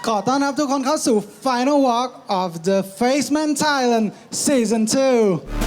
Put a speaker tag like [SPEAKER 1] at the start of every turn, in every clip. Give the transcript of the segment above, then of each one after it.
[SPEAKER 1] ขอต้อนรับทุกคนเข้าสู่ Final Walk of the Faceman Thailand Season 2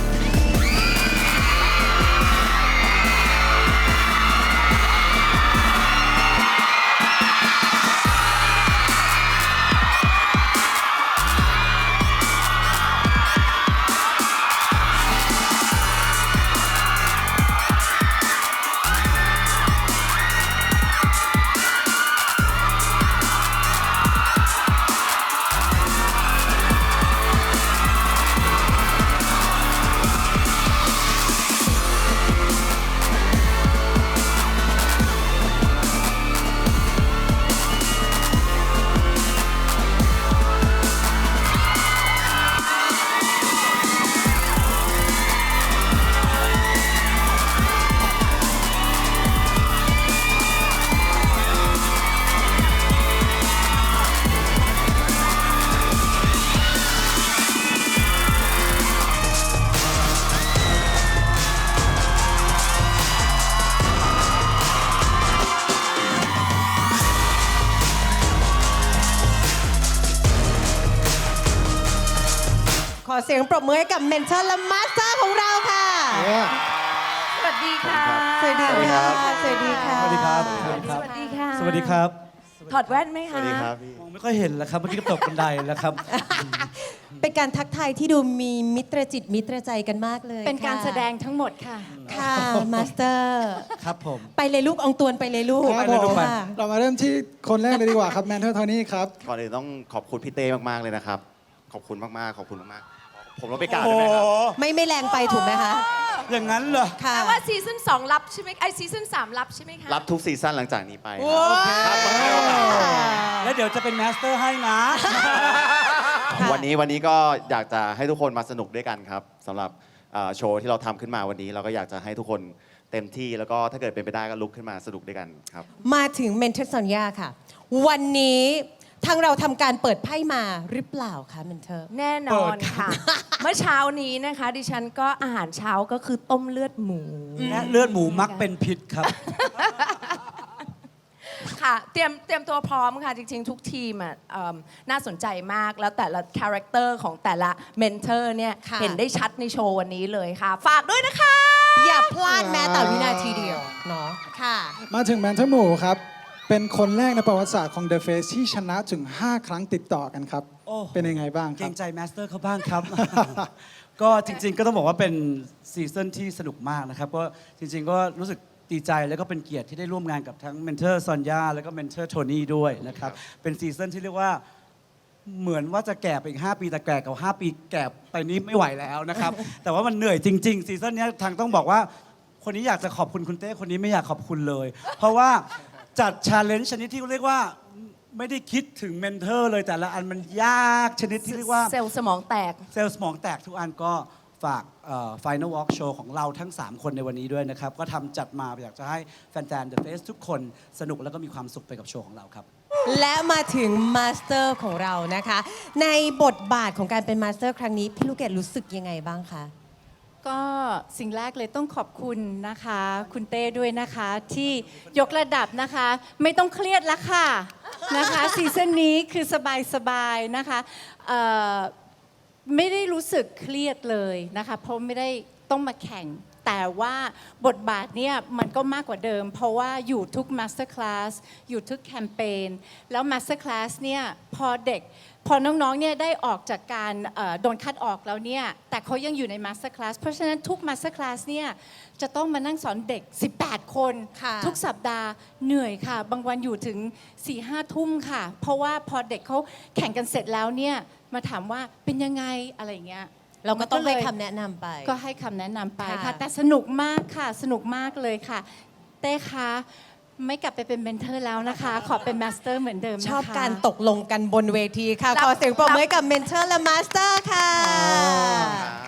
[SPEAKER 2] ขอเสียงปรบมือให้กับเมนเทอร์และมาสเตอร์ของเราค่ะ
[SPEAKER 3] สวัสดีค่ะ
[SPEAKER 2] สวัสดีค่ะ สวัสดีค่ะ
[SPEAKER 4] สวัสดีครับ
[SPEAKER 3] สวัสดีค่ะ
[SPEAKER 4] สวัสดีครับ
[SPEAKER 3] ถอดแว่นไหมคะ
[SPEAKER 5] สวัสดีครับพี่
[SPEAKER 4] มองไม่ค่อยเห็นแล้วครับเมื่อกี้ก็ตกบันไดแล้วครับ
[SPEAKER 2] เป็นการทักทายที่ดูมีมิตรจิตมิตรใจกันมากเลย
[SPEAKER 3] เป็นการ
[SPEAKER 2] ค่ะ
[SPEAKER 3] แสดงทั้งหมดค่ะ
[SPEAKER 2] ค่ะมาสเตอร์
[SPEAKER 4] ครับผม
[SPEAKER 2] ไปเลยลูกอองตวนไปเลยลูก
[SPEAKER 1] ครับ
[SPEAKER 4] เลย
[SPEAKER 1] ผ
[SPEAKER 4] ลู
[SPEAKER 1] ม
[SPEAKER 4] กไป
[SPEAKER 2] ค่ะ
[SPEAKER 1] เรามาเริ่มที่คนแรกเลยดีกว่าครับแมนเทอร์โทนี่ครับ
[SPEAKER 5] ก่อนอื่นต้องขอบคุณพี่เต้มากๆเลยนะครับ ขอบคุณมากๆ ขอบคุณมากๆ ผมต้องไปกราบได้ไหมครับ
[SPEAKER 2] ไม่แรงไปถูกไหมคะ
[SPEAKER 4] อย่างนั้นเหรอ
[SPEAKER 2] ค่ะ
[SPEAKER 3] แต่ว่าซีซั่น2รับใช่ไหมซีซั่น3รับใช่ไหมคะ
[SPEAKER 5] รับทุกซีซั่นหลังจากนี้ไป
[SPEAKER 4] โอเค
[SPEAKER 5] ครับต้องให้โอกาส
[SPEAKER 4] แล้วเดี๋ยวจะเป็นมาสเตอร์ให้นะ
[SPEAKER 2] ค่ะ
[SPEAKER 5] วันนี้ก็อยากจะให้ทุกคนมาสนุกด้วยกันครับสำหรับโชว์ที่เราทำขึ้นมาวันนี้ เราก็อยากจะให้ทุกคนเต็มที่แล้วก็ถ้าเกิดเป็นไปได้ก็ลุกขึ้นมาสนุกด้วยกันครับ
[SPEAKER 2] มาถึงเมนเทอร์สัญญาค่ะ วันนี้ทางเราทำการเปิดไพ่มาหรือเปล่าคะเมนเทอร์
[SPEAKER 3] แน่นอนค่ะ เมื่อเช้านี้นะคะ ดิฉันก็อาหารเช้าก็คือต้มเลือดหมู
[SPEAKER 4] และเลือดหมูมักเป็นพิษครับ
[SPEAKER 3] ค่ะเตรียมตัวพร้อมค่ะ จริงๆ ทุกทีมอ่ะน่าสนใจมากแล้วแต่ละคาแรคเตอร์ของแต่ละเมนเทอร์เนี่ย
[SPEAKER 2] ค่ะ
[SPEAKER 3] เห็นได้ชัดในโชว์วันนี้เลยค่ะ ฝากด้วยนะคะ
[SPEAKER 2] อย่าพลาดแม้แต่วินาทีเดียวเนาะค่ะ
[SPEAKER 1] มาถึงแมนเทอร์หมูครับ เป็นคนแรกในประวัติศาสตร์ของ The Face ที่ชนะถึง 5 ครั้งติดต่อกันครับ
[SPEAKER 4] โอ้
[SPEAKER 1] เป็นยังไงบ้างค
[SPEAKER 4] เกร
[SPEAKER 1] รับ
[SPEAKER 4] งใจมาสเตอร์เขาบ้างครับ ก็จริงๆ ก็ต้องบอกว่าเป็นซีซั่นที่สนุกมากนะครับก็จริงๆ ก็รู้สึกดีใจแล้วก็เป็นเกียรติที่ได้ร่วมงานกับทั้งเมนเทอร์ซอนยาแล้วก็เมนเทอร์โทนี่ด้วยนะครับ เป็นซีซั่นที่เรียกว่าเหมือนว่าจะแก่ไปอีก 5 ปีแต่แก่กับ 5 ปีแก่ไปนี้ไม่ไหวแล้วนะครับ แต่ว่ามันเหนื่อยจริงๆ ซีซั่นนี้ทางต้องบอกว่าคนนี้อยากจะขอบคุณคุณเต้คนนี้ไม่อยากขอบคุณเลย เพราะว่าจัดชาเลนจ์ชนิดที่เรียกว่าไม่ได้คิดถึงเมนเทอร์เลยแต่ละอันมันยากชนิดที่เรียกว่า
[SPEAKER 3] เซลล์สมองแตก
[SPEAKER 4] เซลล์สมองแตกทุกอันก็ฝากFinal Walk Show ของเราทั้ง 3 คนในวันนี้ด้วยนะครับ ก็ทำจัดมาอยากจะให้แฟนๆ The Face ทุกคนสนุกแล้วก็มีความสุขไปกับโชว์ของเราครับ
[SPEAKER 2] และมาถึงมาสเตอร์ของเรานะคะ ในบทบาทของการเป็นมาสเตอร์ครั้งนี้ พี่ลูกเกดรู้สึกยังไงบ้างคะ
[SPEAKER 6] ก็สิ่งแรกเลยต้องขอบคุณนะคะ คุณเต้ด้วยนะคะที่ยกระดับนะคะ ไม่ต้องเครียดแล้วค่ะนะคะซีซั่นนี้คือสบายๆนะคะไม่ได้รู้สึกเครียดเลยนะคะเพราะไม่ได้ต้องมาแข่ง แต่ว่าบทบาทเนี่ยมันก็มากกว่าเดิม เพราะว่าอยู่ทุกมาสเตอร์คลาสอยู่ทุกแคมเปญแล้วมาสเตอร์คลาสเนี่ยพอน้องๆเนี่ยได้ออกจากการโดนคัดออกแล้วเนี่ยแต่เขายังอยู่ในมาสเตอร์คลาสเพราะฉะนั้นทุกมาสเตอร์คลาสเนี่ยจะต้องมานั่งสอนเด็ก 18 คน
[SPEAKER 2] ค่ะ
[SPEAKER 6] ทุกสัปดาห์เหนื่อยค่ะ บางวันอยู่ถึง 4-5 ทุ่มค่ะ เพราะว่าพอเด็กเขาแข่งกันเสร็จแล้วเนี่ยมาถามว่าเป็นยังไงอะไรอย่างเงี้ย
[SPEAKER 2] เราก็ต้องให้
[SPEAKER 6] มัน
[SPEAKER 2] คำแนะนำไป
[SPEAKER 6] ก็ให้คำแนะนำไป
[SPEAKER 2] ค่ะ
[SPEAKER 6] ค่ะ แต่สนุกมากค่ะ สนุกมากเลยค่ะ เต้คะไม่กลับไปเป็นเมนเทอร์แล้วนะคะ ขอเป็นมาสเตอร์เหมือนเดิมนะคะ
[SPEAKER 2] ชอบการตกลงกันบนเวทีค่ะ ขอเสียงปรบมือให้กับเมนเทอร์และมาสเตอร์ค่ะ